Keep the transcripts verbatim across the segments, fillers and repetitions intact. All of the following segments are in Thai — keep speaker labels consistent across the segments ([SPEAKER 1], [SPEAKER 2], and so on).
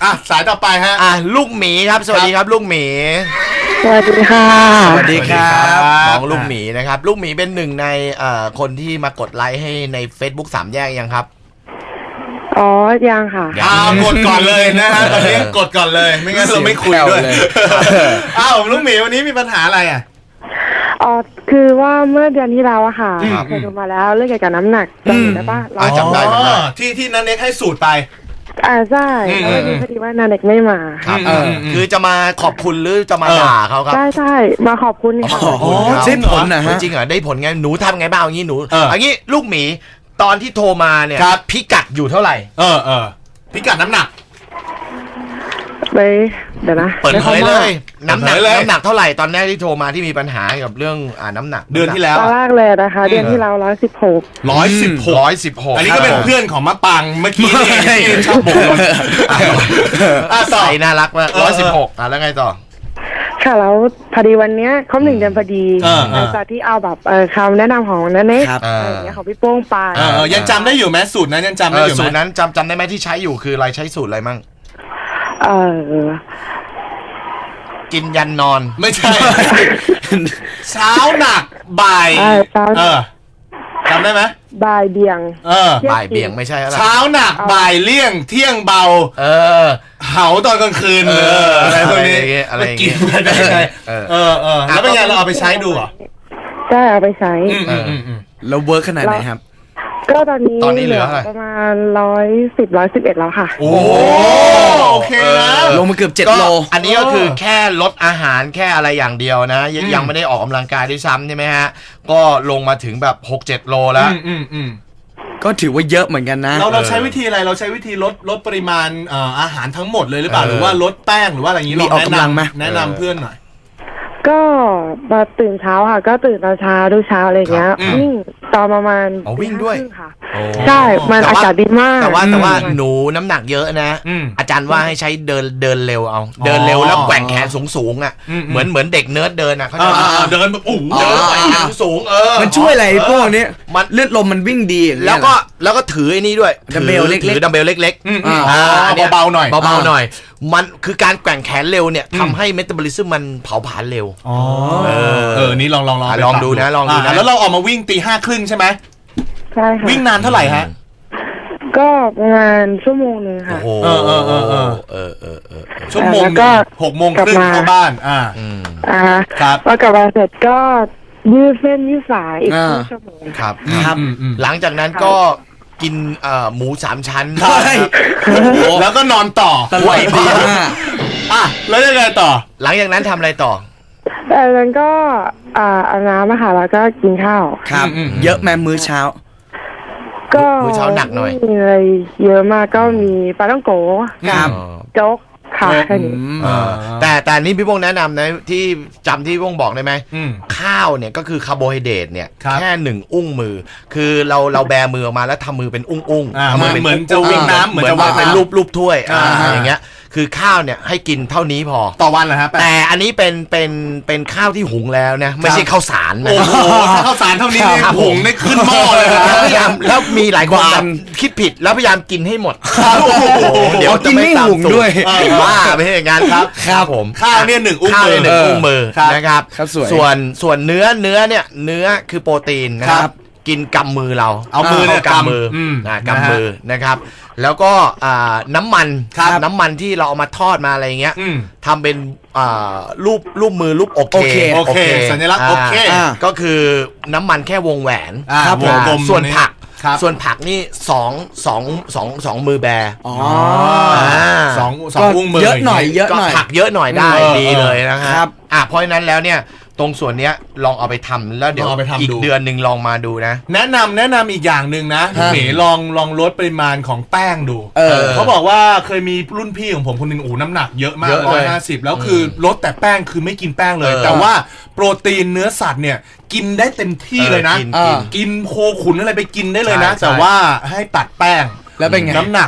[SPEAKER 1] อ่ะสายต่อไปฮะ
[SPEAKER 2] อ่ะลูกหมีครับสวัสดีครับลูกหมี
[SPEAKER 3] สวัสดีค่ะ
[SPEAKER 2] สวัสดีครับน้องลูกหมีนะครับลูกหมีเป็นหนึ่งในคนที่มากดไลค์ให้ใน Facebook สามแยกยังครับ
[SPEAKER 3] อ๋อยังค่ะ
[SPEAKER 1] อ้าวกดก่อนเลยนะฮะตอนนี้กดก่อนเลยไม่งั้นเราไม่คุยด้วยอ้าวลูกหมีวันนี้มีปัญหาอะไรอ่ะ
[SPEAKER 3] อ๋อคือว่าเมื่อเดือนที่แล้วอะค่ะเคยดูมาแล้วเรื่องเกี่ยวกับน้ำหนักจำได้ปะ
[SPEAKER 2] เราจำได้
[SPEAKER 1] ที่ที่นันเน็กให้สูตรไป
[SPEAKER 3] อ่าใช่แล้วพอดีว่านันเน็กไม่มา
[SPEAKER 2] ครับคือจะมาขอบคุณหรือจะมาด่าเขาครับ
[SPEAKER 3] ใช่ใช่มาขอบคุณค่ะ
[SPEAKER 2] อ๋อได้ผลนะฮะจริงเหรอได้ผลไงหนูทำไงบ้างอย่างนี้หนูอย่างนี้ลูกหมีตอนที่โทรมาเนี่ยพิกัดอยู่เท่าไหร่
[SPEAKER 1] เออเออพิกัดน้ำหนัก
[SPEAKER 3] ไปเดี๋ยวนะ
[SPEAKER 2] เปิดเผยเลยน้ำหนักน้ำหนักเท่าไหร่ตอนแรกที่โทรมาที่มีปัญหากับเรื่องอ่าน้ำหนัก
[SPEAKER 1] เดือนที่แล้ว
[SPEAKER 3] ตอนแรกเลยนะคะเดือนที่แล้วร้อยสิบหก
[SPEAKER 1] ร้อยสิบหก
[SPEAKER 2] ร้อยสิบหก
[SPEAKER 1] อันนี้ก็เป็นเพื่อนของมะปังเมื่อกี้ที่ชอบบ่นอ่ะต่อ
[SPEAKER 2] ใส่น่ารักมากร้อยสิบหกอ่ะแล้วไงต่อ
[SPEAKER 3] ค่ะแล้วพอดีวันนี้ครบหนึ่งเดือนพอดีหลังจากที่เอาแบบคำแนะนำของนั่นเองอะไรอย่างเงี้ยของพี่โป้งไป
[SPEAKER 1] ยังจำได้อยู่ไหมสูตรนั้นยังจำได้อยู่ไหม
[SPEAKER 2] สูตรนั้นจำจำได้ไหมที่ใช้อยู่คืออะไรใช้สูตรอะไรมั่ง
[SPEAKER 3] เออ
[SPEAKER 2] กินยันนอน
[SPEAKER 1] ไม่ใช่เช้าหนักบ่ายเออจำได้ไหม
[SPEAKER 3] บ่ายเบี่ยง
[SPEAKER 2] เออบ่ายเบี่ยงไม่ใช่อะไร
[SPEAKER 1] เช้าหนักบ่ายเลี่ยงเที่ยงเบา
[SPEAKER 2] เออ
[SPEAKER 1] เหาตอนกลางคืนเอออะไรพวกนี้
[SPEAKER 2] อะไร
[SPEAKER 1] กินมาได้ไงเออเออแล้วเป็นไงเราเอาไปใช้ดูเหรอ
[SPEAKER 3] ใช่เอาไปใช้
[SPEAKER 2] แล้วเวิร์กขนาดไหนครับ
[SPEAKER 3] ก็ตอนนี้
[SPEAKER 2] ตอนนี้เหลือ
[SPEAKER 3] ประมาณร้อยสิบร้อยสิบเอ็ดแล้วค่ะ
[SPEAKER 1] โอ้โอเคแล้ว
[SPEAKER 2] ลงมาเกือบเจ็ดโลอันนี้ก็คือแค่ลดอาหารแค่อะไรอย่างเดียวนะยังไม่ได้ออกกำลังกายด้วยซ้ำใช่ไหมฮะก็ลงมาถึงแบบหกเจ็ดโลแล้วก็ถือว่าเยอะเหมือนกันนะ
[SPEAKER 1] เราเราใช้วิธีอะไรเราใช้วิธีลดลดปริมาณอาหารทั้งหมดเลยหรือเปล่าหรือว่าลดแป้งหรือว่าอะไรอย่างนี้เราแนะนำแนะนำเพื่อนหน่อย
[SPEAKER 3] ก็มาตื่นเช้าค่ะก็ตื่นตอนเช้าทุกเช้าอะไรเงี้ยวิ่งตอนประมาณ
[SPEAKER 2] วิ่งด้วย
[SPEAKER 3] ค่ะใช่มันอากาศดีมาก
[SPEAKER 2] แต่ว่าแต่ว่าหนูน้ำหนักเยอะนะอาจารย์ว่าให้ใช้เดินเดินเร็วเอาเดินเร็วแล้วแกว่งแขนสูงสูงอ่ะเหมือนเหมือนเด็กเนิร์ดเดินอ่ะเขาจะ
[SPEAKER 1] เดินแบบโอ้โห
[SPEAKER 2] เดินแกว่งแขนสูงเออ
[SPEAKER 4] มันช่วยอะไรพวกนี้มันเลือดลมมันวิ่งดี
[SPEAKER 2] แล้วก็แล้วก็ถือไอ้นี่ด้วยดัมเบลเล็กๆถือดัมเบลเล็ก
[SPEAKER 1] ๆอ่าเบาๆหน่อย
[SPEAKER 2] เบาๆหน่อยมันคือการแกว่งแขนเร็วเนี่ยทำให้เมตาบอลิซึมมันเผาผลาญเร็ว
[SPEAKER 1] อ๋อเออนี่ลองลองลอง
[SPEAKER 2] ลองดูนะลองดูนะ
[SPEAKER 1] แล้วเราออกมาวิ่งตีห้าครึ่งใช่ไหม
[SPEAKER 3] ใช่ค่ะ
[SPEAKER 1] วิ่งนานเท่าไหร่ฮะ
[SPEAKER 3] ก็ประมาณชั่วโมงนึงค่ะ
[SPEAKER 2] เออเออเออเออเออเออเออ
[SPEAKER 1] ชั่วโมงก็หกโมงครึ่งเข้าบ้านอ่า
[SPEAKER 3] อ่าครับพอกลับมาเสร็จก็ยืดเส้นยืดสายอีกครึ่งชั่วโมง
[SPEAKER 2] ครับครับหลังจากนั้นก็กินหมูสามชั้น
[SPEAKER 1] แล้วก็นอนต่อ
[SPEAKER 2] ไหวมาก
[SPEAKER 1] อ่ะแล้วยังไงต่อ
[SPEAKER 2] หลังจากนั้นทำอะไรต่อ
[SPEAKER 3] จากนั้นก็อาบน้ำค่ะแล้วก็กินข้าว
[SPEAKER 4] ครับเยอะแม่มื้อเช้า
[SPEAKER 3] ก็
[SPEAKER 2] มื้อเช้าหนักหน่อย
[SPEAKER 3] มีอะไรเยอะมากก็มีปลาต้องโก
[SPEAKER 4] ครับ
[SPEAKER 3] โจ๊กค่ะแค่นี้
[SPEAKER 2] แต่แต่นี่พี่พงษ์แนะนำนะที่จำที่พี่พงษ์บอกได้ไหมข้าวเนี่ยก็คือคาร์โบไฮเดรตเนี่ยแค่หนึ่งอุ้งมือคือเราเราแบมือออกมาแล้วทำมือเป็นอุ้งอุ้ง
[SPEAKER 1] เหมือนจะวิ่งน้ำเหมือนจะว่า
[SPEAKER 2] เป็นรูปรูปถ้วยอย่างเงี้ยคือข้าวเนี่ยให้กินเท่านี้พอ
[SPEAKER 1] ต่อวันเหรอครับ
[SPEAKER 2] แต่อันนี้เป็นเป็นเป็นข้าวที่หุงแล้วนะไม่ใช่ข้าวสารนะ
[SPEAKER 1] โอ้โหข้าวสารเท่านี้หุงได้ขึ้นหม้อเลย
[SPEAKER 2] แล้วพยายามแล้วมีหลายคนแบบคิดผิดแล้วพยายามกินให้หมด
[SPEAKER 4] เดี๋ยวกินไม่หุงด้วย
[SPEAKER 2] บ้าไม่ใช่อย่างนั้นครับ
[SPEAKER 1] ครับผมข้าวเนี่ยหนึ่งอุ้งมือ
[SPEAKER 2] หนึ่งอุ้งมือนะครับส่วนส่วนเนื้อเนื้อเนี่ยเนื้อคือโปรตีนนะครับกินกำมือเรา
[SPEAKER 1] เอามือเนี่ย
[SPEAKER 2] กำมือนะกำมือนะครับแล้วก็น้ำมันน้ำมันที่เราเอามาทอดมาอะไรเงี้ยทำเป็นรูปรูปมือรูปโอเค
[SPEAKER 1] โอเคสัญลักษณ์โอเค
[SPEAKER 2] ก็คือน้ำมันแค่วงแหวนส่วนผักส่วนผักนี่สองสองสองสองมือแบ
[SPEAKER 4] อ๋อ
[SPEAKER 1] สองสองอุ้งมือ
[SPEAKER 4] เยอะหน่อยเยอะหน่อย
[SPEAKER 2] ผักเยอะหน่อยได้ดีเลยนะครับอ่ะเพราะฉะนั้นแล้วเนี่ยตรงส่วนเนี้ยลองเอาไปทำแล้วเดี๋ยวอีกเดือนหนึ่งลองมาดูนะ
[SPEAKER 1] แนะนำแนะนำอีกอย่างหนึ่งนะเหมลองลองลดปริมาณของแป้งดูเขาบอกว่าเคยมีรุ่นพี่ของผมคนหนึ่งโอ้น้ำหนักเยอะมากร้อยห้าสิบแล้วคือลดแต่แป้งคือไม่กินแป้งเลยแต่ว่าโปรตีนเนื้อสัตว์เนี่ยกินได้เต็มที่เลยนะกินโคขุนอะไรไปกินได้เลยนะแต่ว่าให้ตัดแป้ง
[SPEAKER 4] แล้วเป็นไง
[SPEAKER 1] น้ำหนัก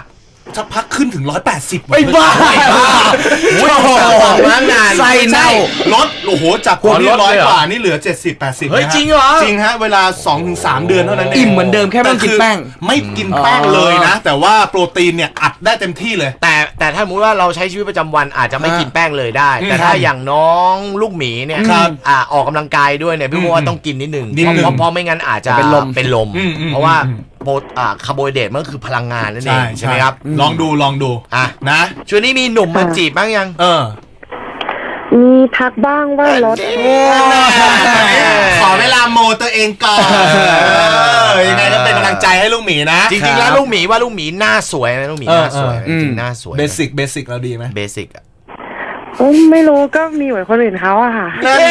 [SPEAKER 1] สักพักขึ้นถึงร้อยแปดสิบ
[SPEAKER 4] ไม่บ้า
[SPEAKER 2] โอ้โหมานาน
[SPEAKER 4] ไส้เน่า
[SPEAKER 1] ลดโอ้โหจากคนที่ร้อยกว่านี่เหลือเจ็ดสิบ แปดสิบ
[SPEAKER 2] เฮ้ยจริงเหรอ
[SPEAKER 1] จริงฮะเวลา สองถึงสาม เดือนเท่านั้นเอง
[SPEAKER 4] อิ่มเหมือนเดิมแค่ไม่ต้องกินแป้ง
[SPEAKER 1] ไม่กินแป้งเลยนะ แต่ว่าโปรตีนเนี่ยอัดได้เต็มที่เลย
[SPEAKER 2] แต่แต่ถ้าสมมติว่าเราใช้ชีวิตประจำวันอาจจะไม่กินแป้งเลยได้ แต่ถ้าอย่างน้องลูกหมีเนี่ย
[SPEAKER 1] ครับ
[SPEAKER 2] อ่าออกกำลังกายด้วยเนี่ยพี่ว่าต้องกินนิดหนึ่ง
[SPEAKER 1] นิดหนึ่ง
[SPEAKER 2] เพราะเพราะไม่งั้นอาจจะ
[SPEAKER 4] เป็นลม
[SPEAKER 2] เป็นลม
[SPEAKER 1] อืมอืม
[SPEAKER 2] เพราะว่า
[SPEAKER 1] อืม
[SPEAKER 2] โปรอ่าคาร์โบไฮเดรตมันก็คือพลังงานนั่นเอ
[SPEAKER 1] ใช่
[SPEAKER 2] งใช่ไหมครับ
[SPEAKER 1] ลองดูลองดู
[SPEAKER 2] อ่ะ
[SPEAKER 1] นะ
[SPEAKER 2] ช่วงนี้มีหนุ่มมาจีบบ้างยัง
[SPEAKER 1] เออ
[SPEAKER 3] มีทักบ้างว่ารถ
[SPEAKER 1] ขอเวลาโมตัวเองก่อนยังไงก็เป็นกำลังใจให้ลูกหมีนะ
[SPEAKER 2] จริงๆแล้วลูกหมีว่าลูกหมีหน้าสวยนะลูกหมีหน้าสวย
[SPEAKER 1] เออเออ
[SPEAKER 2] จริงๆหน้าสวย
[SPEAKER 1] เบสิกเบสิกเราดีไหม
[SPEAKER 2] เบสิกอะ
[SPEAKER 3] อืมไม่รู้ก็มีเหมือนคนอื่นเขาอะค่ะ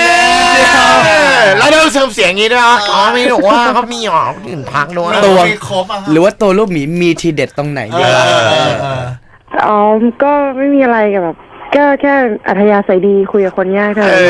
[SPEAKER 2] แล้วเราเสริมเสียงอย่างนี้ด้วยเหรออ๋อไม่หนูว่าเขามีหรอคนอื่นพักด้วย
[SPEAKER 4] ตัว
[SPEAKER 1] มีครบอะ
[SPEAKER 4] หรือว่าตัวลูกหมีมีทีเด็ดตรงไหน
[SPEAKER 1] เอ
[SPEAKER 4] เย
[SPEAKER 1] อ
[SPEAKER 4] อะ
[SPEAKER 1] เออเออ
[SPEAKER 3] อ๋อ ก็ไม่มีอะไรกับแบบก็แค่อัธยาศัยดีคุยกับคนยากเท่านั้น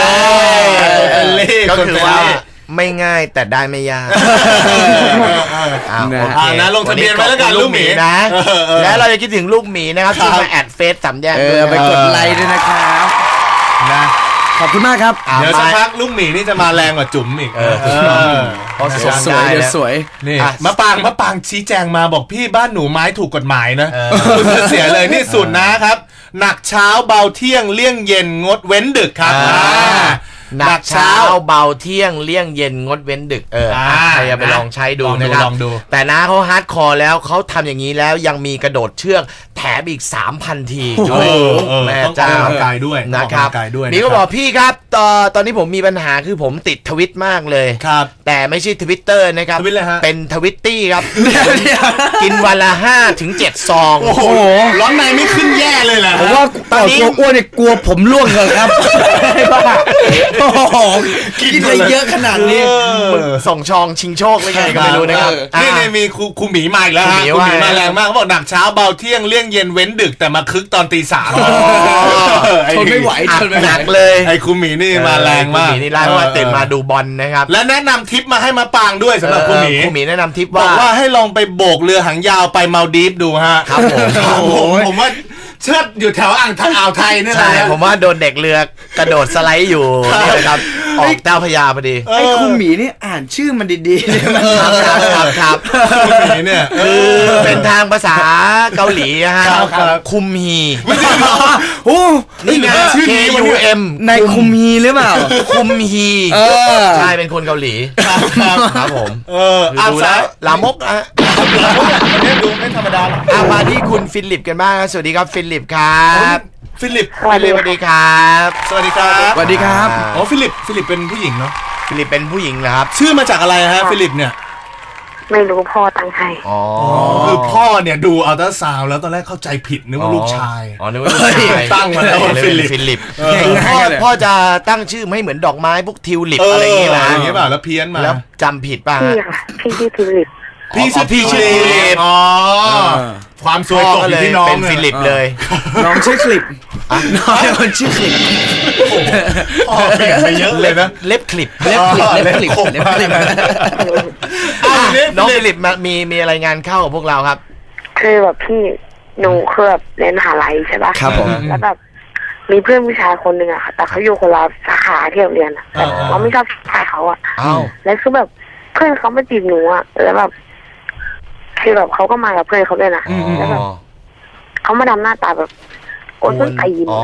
[SPEAKER 2] ก็คือว่าไม่ง่ายแต่ได้ไม่ยาก อ้าว
[SPEAKER 4] นะ
[SPEAKER 2] โอเค
[SPEAKER 1] อ่านะลงทะเบียนไว้แล้วกันลูกหมี
[SPEAKER 2] นะ
[SPEAKER 1] เออเออ
[SPEAKER 2] และเราจะคิดถึงลูกหมีนะครับ
[SPEAKER 1] ครับ
[SPEAKER 2] ที่มาแอดเฟซสามแยก
[SPEAKER 4] เอ
[SPEAKER 2] ด้ว
[SPEAKER 4] อย ไปกดไลค์ด้วยนะครับ
[SPEAKER 1] นะ
[SPEAKER 4] ขอบคุณมากครับ
[SPEAKER 2] อ่ะ
[SPEAKER 1] เดี๋ยวสัก
[SPEAKER 2] มา
[SPEAKER 1] พักลูกหมีนี่จะมาแรงกว่าจุ๋มอีก
[SPEAKER 2] เออ
[SPEAKER 1] เออ
[SPEAKER 2] เพราะ
[SPEAKER 4] ส
[SPEAKER 2] ส
[SPEAKER 4] วย
[SPEAKER 2] วย
[SPEAKER 4] เดี๋ยวสวย
[SPEAKER 1] นี่
[SPEAKER 2] อ่ะ
[SPEAKER 1] มะปางมะปางชี้แจงมาบอกพี่บ้านหนูไม้ถูกกฎหมายนะ
[SPEAKER 2] เออ
[SPEAKER 1] คุณจะเสียเลยนี่สุดนะครับ หนักเช้าเบาเที่ยงเลี่ยงเย็นงดเว้นดึกครับ
[SPEAKER 2] อ่า
[SPEAKER 1] อ่า
[SPEAKER 2] หนักเช้าเบาเที่ยงเลี่ยงเย็นงดเว้นดึกเอออ่ะ
[SPEAKER 1] อ่า
[SPEAKER 2] ใครจะไปลองใช้ดู
[SPEAKER 1] ลองดู
[SPEAKER 2] นะครับ
[SPEAKER 1] ลองดู
[SPEAKER 2] แต่น้าเขาฮาร์ดคอร์แล้วเขาทำอย่างนี้แล้วยังมีกระโดดเชือกแถมอีก สามพัน ที
[SPEAKER 1] เออเออ
[SPEAKER 2] แม่
[SPEAKER 1] ต้องออก
[SPEAKER 2] เจ้าก
[SPEAKER 1] ำลังกายด้วย
[SPEAKER 2] นะครับ
[SPEAKER 1] ออกกำลังกายด้วย
[SPEAKER 2] นี่ก็บอกพี่ครับตอนตอนนี้ผมมีปัญหาคือผมติดทวิตมากเลย
[SPEAKER 1] ครับ
[SPEAKER 2] แต่ไม่ใช่ทวิตเตอร์นะครับ
[SPEAKER 1] ทวิตอะไรฮะ
[SPEAKER 2] เป็นทวิตตี้ครับ กินวันละห้าถึงเจ็ดซอง
[SPEAKER 1] โอ้โหร้อนในไม่ขึ้นแย่เลยแหละ
[SPEAKER 4] ผมว่า
[SPEAKER 2] ตอนนี้
[SPEAKER 4] ตัวอ้วนเนี่ยกลัวผมร่วงเลยครับโอ้โหกินอะไรเยอะขนาดนี้
[SPEAKER 2] มึงส่งชองชิงโชคเลยไงก็ไม่รู้นะครับ
[SPEAKER 1] นี่
[SPEAKER 2] อ่ะ
[SPEAKER 1] ในมีครูครูหมีมาอีกแล้วฮะ
[SPEAKER 2] ค
[SPEAKER 1] ค
[SPEAKER 2] รู
[SPEAKER 1] รู
[SPEAKER 2] หมี
[SPEAKER 1] หมี
[SPEAKER 2] ว่า
[SPEAKER 1] มาแรงมากเขาบอกหนักเช้าเบาเที่ยงเลี่ยงเย็นเว้นดึกแต่มาคึกตอนตีสาม
[SPEAKER 4] ทนไม่ไหวทนไม่ไหว
[SPEAKER 2] หนักเลย
[SPEAKER 1] ไอ้ครูหมีนี่มาแรงมาก
[SPEAKER 2] ครูหมีนี่ไล่มาตื่นมาดูบอลนะครับ
[SPEAKER 1] และแนะนำทิปมาให้มาปางด้วยสำหรับครูหมี
[SPEAKER 2] ครูหมีแนะนำทิป
[SPEAKER 1] บอ
[SPEAKER 2] ว่า
[SPEAKER 1] กว่าให้ลองไปโบกเรือหางยาวไปมาลดีฟดูฮะ
[SPEAKER 2] ครับผม
[SPEAKER 1] ครับผมผมว่าเชิดอยู่แถวอ่างทางอ่าวไทยนี่แห
[SPEAKER 2] ใช่
[SPEAKER 1] ละ
[SPEAKER 2] ผมว่าโดนเด็กเรือกระโดดสไลด์อยู่นี่แหละครับออกเจ้าพระยาพอดี
[SPEAKER 1] เออ
[SPEAKER 4] ไอ้คุณหมีนี่อ่านชื่อมันดีๆเนี่ยมัน
[SPEAKER 2] ครับครับครับ
[SPEAKER 1] ครูหมีเนี่ย
[SPEAKER 2] คือเป็นทางภาษาเกาหลีนะฮะ
[SPEAKER 1] ครับครับ
[SPEAKER 2] คุมฮี
[SPEAKER 4] โอ้
[SPEAKER 2] นี่ไง
[SPEAKER 1] ชื่อ
[SPEAKER 2] K
[SPEAKER 1] นี้วะ
[SPEAKER 2] U
[SPEAKER 1] เนี่ย
[SPEAKER 2] M
[SPEAKER 4] ในคุมฮีหรือเปล่า
[SPEAKER 2] คุมฮี
[SPEAKER 4] เออ
[SPEAKER 2] ใช่เป็นคนเกาหลี
[SPEAKER 1] ครับครับ
[SPEAKER 2] ครับผม
[SPEAKER 1] เออ
[SPEAKER 2] คือ
[SPEAKER 1] อ่ะ
[SPEAKER 2] ดูแล้วลามกอะ
[SPEAKER 1] เนี่ยดูไม่ธรรมดาหรอก
[SPEAKER 2] อ่ะมาที่คุณฟิลิปกันบ้างนะสวัสดีครับฟิลิปครับ
[SPEAKER 1] ฟิลิป
[SPEAKER 3] สวัส
[SPEAKER 2] ฟิ
[SPEAKER 3] ดี
[SPEAKER 2] ลิปสวัสดีครับ
[SPEAKER 1] สวัสดีครับ
[SPEAKER 4] สวัสดีครับ
[SPEAKER 1] อ๋อฟิลิปฟิลิปเป็นผู้หญิงเนาะ
[SPEAKER 2] ฟิลิปเป็นผู้หญิงเหรอครับ
[SPEAKER 1] ชื่อมาจากอะไรฮะฟิลิปเนี่ย
[SPEAKER 3] ไม่รู้พ่อตั้งให้
[SPEAKER 2] อ๋อ
[SPEAKER 1] คือพ่อเนี่ยดูอัลตราซาวด์แล้วตอนแรกเข้าใจผิดนึกว่าลูกชาย
[SPEAKER 2] อ๋อนึกว่าลูกชาย
[SPEAKER 1] ตั้งมาแล้วว่า
[SPEAKER 2] เลย
[SPEAKER 1] ฟิลิป
[SPEAKER 2] ฟิลิป
[SPEAKER 1] เออ
[SPEAKER 2] พ่อพ่อจะตั้งชื่อไม่เหมือนดอกไม้พวกทิวลิป
[SPEAKER 1] เออ
[SPEAKER 2] อะไรอย่างเงี้ย
[SPEAKER 1] อ
[SPEAKER 2] นะ
[SPEAKER 1] ย่างเงี้ยเปล่าแล้วเพี้ยนมา
[SPEAKER 2] แล้วจำผิดป่ะ
[SPEAKER 3] พี่
[SPEAKER 2] ฮะ
[SPEAKER 3] ค่ะพี่ชื่อทิวลิป
[SPEAKER 1] พี่ชื่อ
[SPEAKER 2] พี่ชื่อ
[SPEAKER 1] ฟิลิปอ๋อความสวย
[SPEAKER 2] พ่อ
[SPEAKER 1] ตก
[SPEAKER 2] ก็
[SPEAKER 1] อ
[SPEAKER 2] เล
[SPEAKER 1] ยู่
[SPEAKER 2] ย
[SPEAKER 1] ที่น้อง
[SPEAKER 2] เป็นฟิลิปเลย
[SPEAKER 4] น้องชื่อคลิปน้องเป็นคนชื่อคลิป
[SPEAKER 1] พ่อเปลี่ยนไปเยอะเลยนะ
[SPEAKER 2] เล็บคลิป
[SPEAKER 4] เล็บคลิปเล็บคลิปเล็บคลิป
[SPEAKER 1] อ่ะ
[SPEAKER 2] น้องฟิลิปมามีมีอะไรงานเข้ากับพวกเราครับ
[SPEAKER 3] คือแบบพี่หนูคือแบบเรียนมหาลัยใช่ปะ
[SPEAKER 4] ครับผม
[SPEAKER 3] แล้วแบบมีเพื่อนผู้ชายคนหนึ่งอะค่ะ แต่เขาอยู่คนละสาขาที่เราเรียนอะแต่เราไม่ชอบชายเขาอะ
[SPEAKER 2] อ้าว
[SPEAKER 3] แล้วคือแบบเพื่อนเขามาจีบหนูอะแล้วแบบคือแบบเขาก็มากับเพื่อนเขาด้วยนะแล้วแบบเขามาทำหน้าตาแบบโอ้ยต้นตีน
[SPEAKER 2] อ๋อ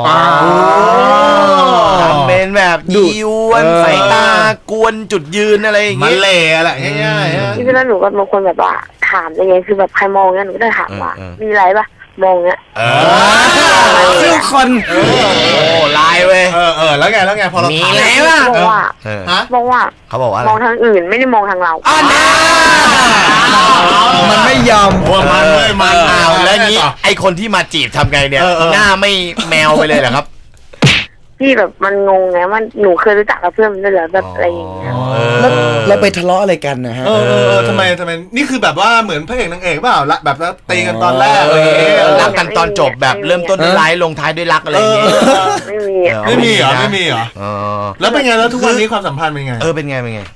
[SPEAKER 2] ทำเป็นแบบยีวนสายตากวนจุดยืนอะไรอย่าง
[SPEAKER 1] มัน
[SPEAKER 2] งี้
[SPEAKER 1] เละอะไรง่ายๆฮะ
[SPEAKER 3] ที่นั้นหนูก็บางคนแบบว่าถามยังไงคือแบบใครมองเงี้ยหนูก็จะถามว่า
[SPEAKER 2] เออเออ
[SPEAKER 3] มีอะไรปะมองเงี้ย
[SPEAKER 2] เอ
[SPEAKER 4] ชื่อคน
[SPEAKER 2] โอ้ลายเว้ย
[SPEAKER 1] เออเออแล้วไงแล้วไงพอเรา
[SPEAKER 2] มี
[SPEAKER 1] ถาม
[SPEAKER 2] แล้ว
[SPEAKER 3] บอกว่า
[SPEAKER 2] เออ
[SPEAKER 1] ฮะ
[SPEAKER 3] บอกว่า
[SPEAKER 2] เขาบอกว่าอะไร
[SPEAKER 3] มองทางอื่นไม่ได้มองทางเรา
[SPEAKER 2] อ้าวนะ
[SPEAKER 4] มันไม่ยอม
[SPEAKER 1] โอ้มันเลยมัน
[SPEAKER 2] อ้าวแล้วงี้ไอคนที่มาจีบทำไงเนี่ย
[SPEAKER 1] เออเออ
[SPEAKER 2] หน้าไม่แมวไปเลยเหรอครับ
[SPEAKER 3] พี่แบบมันงงไงมันหนูเคยรู้จักกับเพื่อนมันด้วยเหรอแบบอะไรอย่างเงี้ย
[SPEAKER 4] แล้วเราไปทะเลาะอะไรกันนะฮะ
[SPEAKER 1] เออเออเออทำไมทำไมนี่คือแบบว่าเหมือนพระเอกนางเอกเปล่าละแบบแล้วตีกันตอนแรกอะไรอย่างเงี้ย
[SPEAKER 2] รักกันตอนจบแบบเริ่มต้นด้วยร้ายลงท้ายด้วยรักอะไรอย่างเงี้ย
[SPEAKER 3] ไม่มีอะ
[SPEAKER 2] เออ
[SPEAKER 1] ไม่มีเหรอไม่มีเหรอ
[SPEAKER 2] เออ
[SPEAKER 1] แล้วเป็นไงแล้วทุกวันนี้ความสัมพันธ์เป็นไง
[SPEAKER 2] เออเป็นไงเป็นไง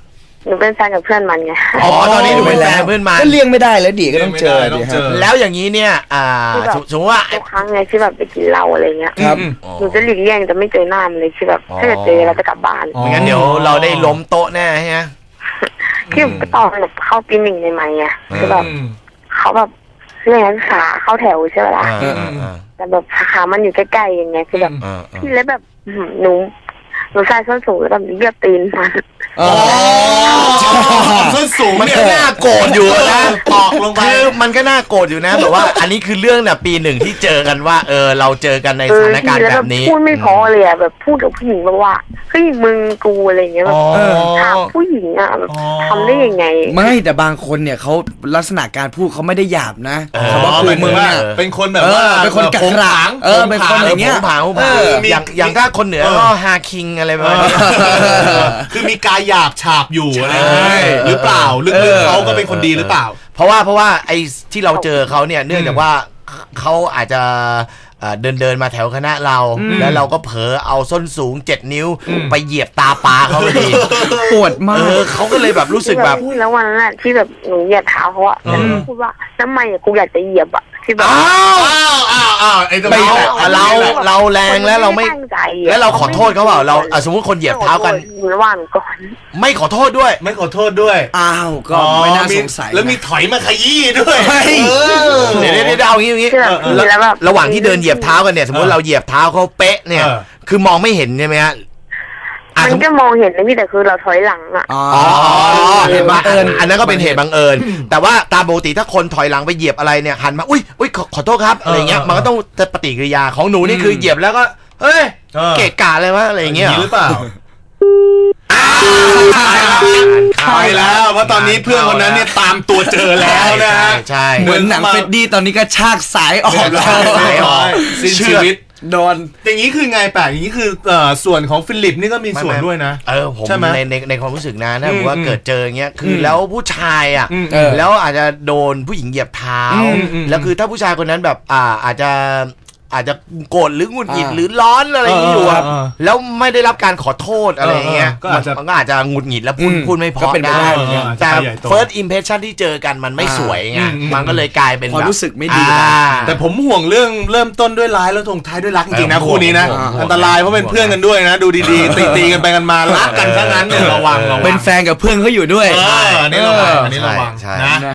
[SPEAKER 3] หนูเป็นแฟนกับเพื่อนมันไง
[SPEAKER 2] อ๋อตอนนี้หนูเป็นแฟนเพื่อนมัน
[SPEAKER 4] ก็เลี่ยงไม่ได้แล้วดิก็ต้องเจอ
[SPEAKER 1] เลี่ยงไม่ได้ต้องเจอ
[SPEAKER 2] แล้วอย่างนี้เนี่ยอ่า
[SPEAKER 3] ที่แบบ
[SPEAKER 2] สมมติว่า
[SPEAKER 3] ทุกครั้งไงที่แบบไปกินเหล้าอะไรเงี้ย
[SPEAKER 4] ครับ
[SPEAKER 3] หนูจะหลีกเลี่ยงจะไม่เจอหน้ามันเลยที่แบบถ้าเกิดเจอเราจะกลับบ้าน
[SPEAKER 1] อ๋อ
[SPEAKER 2] ไม่งั้นเดี๋ยวเราได้ล้มโต๊ะแน่ใช่ไหม
[SPEAKER 3] ที่ตอนแบบเข้าปีหนึ่งใหม่ๆไงคือแบบ
[SPEAKER 1] อืม
[SPEAKER 3] เขาแบบเรียนนักศึกษาเข้าแถวใช่ไหมล่ะ
[SPEAKER 2] อ่าอ่าอ่า
[SPEAKER 3] แต่แบบสาขามันอยู่ใกล้ๆอย่างเงี้ยคือแบบ
[SPEAKER 2] อ่าอ่า
[SPEAKER 3] พี่แล้วแบบอื้อหือหนูหนูใส่ส้นสูงแล้วแบบเหยียบตีนมัน
[SPEAKER 4] อ๋อ
[SPEAKER 1] ส้นสูง
[SPEAKER 2] มัน
[SPEAKER 1] เนี่
[SPEAKER 2] ก็
[SPEAKER 1] ย
[SPEAKER 2] น่าโกรธอยู่นะ
[SPEAKER 1] ตอกลงไป
[SPEAKER 2] คือมันก็น่าโกรธอยู่นะแบบว่า อันนี้คือเรื่องเนี่ยปีหนึ่งที่เจอกันว่าเออเราเจอกันใน
[SPEAKER 3] เอ
[SPEAKER 2] ส
[SPEAKER 3] อ
[SPEAKER 2] ถานการ
[SPEAKER 3] พี่
[SPEAKER 2] ณ์
[SPEAKER 3] แล้ว
[SPEAKER 2] แบ
[SPEAKER 3] แบบ
[SPEAKER 2] บนี้
[SPEAKER 3] พูดไม่พอเลยอะแบบพูดกับผู้หญิงแบบว่าเฮ้ยมึงกูอะไรอย่างเงี้ยแบบ
[SPEAKER 2] อ๋อ
[SPEAKER 3] ถามผู้หญิงอะแบบ
[SPEAKER 1] อ๋อ
[SPEAKER 3] ทำได้ยังไง
[SPEAKER 4] ไม่แต่บางคนเนี่ยเขาลักษณะการพูดเขาไม่ได้หยาบนะ
[SPEAKER 2] เออ
[SPEAKER 4] เขาบอก
[SPEAKER 1] อ๋อ
[SPEAKER 4] กู
[SPEAKER 1] หมายถึ
[SPEAKER 4] มึ
[SPEAKER 1] ง
[SPEAKER 4] ง
[SPEAKER 1] ว่า
[SPEAKER 4] เนี่ย
[SPEAKER 1] เป็นคนแบบ
[SPEAKER 4] เออ
[SPEAKER 1] ว่า
[SPEAKER 4] เป็นคนกัก
[SPEAKER 1] โผง
[SPEAKER 4] ขระ
[SPEAKER 1] ผาง
[SPEAKER 4] เออเป็นคน
[SPEAKER 1] โผงผาง
[SPEAKER 4] อย่างเงี้ย
[SPEAKER 2] ผงผางผงผาง
[SPEAKER 1] เออมี
[SPEAKER 2] อย่างอย่างถ้าคนเหนือ
[SPEAKER 1] เออ
[SPEAKER 2] ก็ฮาคิงอะไรประมาณนี้
[SPEAKER 1] คือมีกายหยาบฉาบอยู่อะไรอย่าง
[SPEAKER 2] ใช่
[SPEAKER 1] เงี้ยหรือเปล่าลึกๆเขาก็เป็นคนดีหรือเปล่า
[SPEAKER 2] เพราะว่าเพราะว่าไอ้ที่เราเจอเขาเนี่ยเนื่องจากว่าเขาอาจจะเอ่อเดินเดินมาแถวคณะเรา แล้วเราก็เผลอเอาส้นสูงเจ็ดนิ้ว ไปเหยียบตาปลาเขาพอดี
[SPEAKER 4] ปวดมา
[SPEAKER 2] เอก อเขาก็เลยแบบรู้สึกแบบ
[SPEAKER 3] ที่แล้ววันนั้นอะที่แบบหนูเหยียบเท้าเขาอะแล้วหนูพูดว่าทำไมอะกูอยากจะเหยียบอะที่แบบ
[SPEAKER 2] อ้าว
[SPEAKER 1] อ้าวอ้าวอ้าวไอ้ตรง
[SPEAKER 2] ไม่
[SPEAKER 1] นี้
[SPEAKER 2] เราเราแรงแล้วเราไม่
[SPEAKER 3] ตั้งใจอะ
[SPEAKER 2] แล้วเราขอโทษเขาเปล่าเราอ่ะสมมติคนเหยียบเท้ากัน
[SPEAKER 3] หนูระหว่างก่อน
[SPEAKER 2] ไม่ขอโทษด้วย
[SPEAKER 1] ไม่ขอโทษด้วย
[SPEAKER 4] อ้าวก็ไม่น่าสงสัย
[SPEAKER 1] แล้วมีถอยมาขยี้ด้วย
[SPEAKER 4] เฮ้ย
[SPEAKER 1] เออ
[SPEAKER 2] เดี๋ยวเดี๋ยวเดี๋ยวเอาอย่างงี้อย่างงี้
[SPEAKER 3] คือแบบพี่แล้วแบบ
[SPEAKER 2] ระหว่างที่เดินเหยียบเท้ากันเนี่ยสมมติเราเหยียบเท้าเขาเป๊ะเนี่ย
[SPEAKER 1] เออ
[SPEAKER 2] คือมองไม่เห็นใช่ไหมฮะอ่ะ
[SPEAKER 3] มันก็มองเห็นนะพี่แต่คือเราถอยหลังอะ
[SPEAKER 4] อ๋อ
[SPEAKER 2] อ๋อ
[SPEAKER 4] เหตุบังเอิญ
[SPEAKER 2] อันนั้นก็เป็นเหตุบังเอิญ แต่ว่าตามปกติถ้าคนถอยหลังไปเหยียบอะไรเนี่ยหันมาอุ้ยอุ้ยขอขอโทษครับอะไรเงี้ย
[SPEAKER 1] เออ
[SPEAKER 2] มันก็ต้องปฏิกิริยาของหนูนี่คือเหยียบแล้วก็เฮ้ย
[SPEAKER 1] เออ
[SPEAKER 2] เกะกะเลยวะอะไรอย่างเงี้ย
[SPEAKER 1] หรือเปล่า
[SPEAKER 2] เข้า
[SPEAKER 1] ไปแล้วเพราะตอนนี้เพื่อนคนนั้นเนี่ยตามตัวเจอแล้วนะฮะ
[SPEAKER 2] ใช่
[SPEAKER 4] เหมือนหนังเฟดดี้ตอนนี้ก็ชากสายออกแล้ว
[SPEAKER 2] สายออก
[SPEAKER 1] สิ้นชีวิต
[SPEAKER 4] โดน
[SPEAKER 1] อย่างนี้คือไงแปลกอย่างนี้คือเอ่อส่วนของฟิลิปนี่ก็มีส่วนด้วยนะ
[SPEAKER 2] เออผม
[SPEAKER 1] ใช่ไหม
[SPEAKER 2] ในในในความรู้สึกนะถ้า
[SPEAKER 1] อืม
[SPEAKER 2] ผมว่าเกิดเจออย่างเงี้ยคืออ
[SPEAKER 1] ม
[SPEAKER 2] แล้วผู้ชายอ่ะ
[SPEAKER 1] อืม
[SPEAKER 4] เออ
[SPEAKER 2] แล้วอาจจะโดนผู้หญิงเหยียบเท้า
[SPEAKER 1] อืมอืม
[SPEAKER 2] แล้วคือถ้าผู้ชายคนนั้นแบบอ่าอาจจะอาจจะโกรธหรือหงุดหงิด
[SPEAKER 4] อ่า
[SPEAKER 2] หรือร้อนอะไรอย่างงี้อยู่อะ
[SPEAKER 1] เออเออเออ
[SPEAKER 2] แล้วไม่ได้รับการขอโทษอะไรอย่างเงี้ย
[SPEAKER 1] เออเออก็อาจจะ
[SPEAKER 2] มันก็อาจจะหงุดหงิดแล้วพูด
[SPEAKER 4] อืม
[SPEAKER 2] พูดไม่เพ
[SPEAKER 4] ก็
[SPEAKER 2] อ
[SPEAKER 4] เป็นไป
[SPEAKER 2] ได้
[SPEAKER 4] ได้
[SPEAKER 1] เอออาจจะ
[SPEAKER 2] แต่
[SPEAKER 1] ไปใหญ่โต
[SPEAKER 2] first impression ที่เจอกันมันไม่
[SPEAKER 4] อ่า
[SPEAKER 2] สวยไง
[SPEAKER 1] อืมอืม
[SPEAKER 2] มันก็เลยกลายเป็น
[SPEAKER 4] ความ
[SPEAKER 2] แบบ
[SPEAKER 4] รู้สึกไม่ดี
[SPEAKER 2] อ่า
[SPEAKER 1] แต่ผมห่วงเรื่องเริ่มต้นด้วยร้ายแล้วลงท้ายด้วยรักจริงๆนะ
[SPEAKER 2] เออ
[SPEAKER 1] คู่นี้นะ
[SPEAKER 2] ห่วงห่วง
[SPEAKER 1] อันตรายเพราะเป็นเพื่อนกันด้วยนะ ดูดีๆ ตีๆกันไปกันมารักกันซะงั้นเนี่ยระวังระวัง
[SPEAKER 4] เป็นแฟนกับเพื่อนเขาอยู่ด้วย
[SPEAKER 1] เอออันนี้ระวังอันนี้ระวัง
[SPEAKER 2] ใช่
[SPEAKER 1] นะ
[SPEAKER 2] ใช่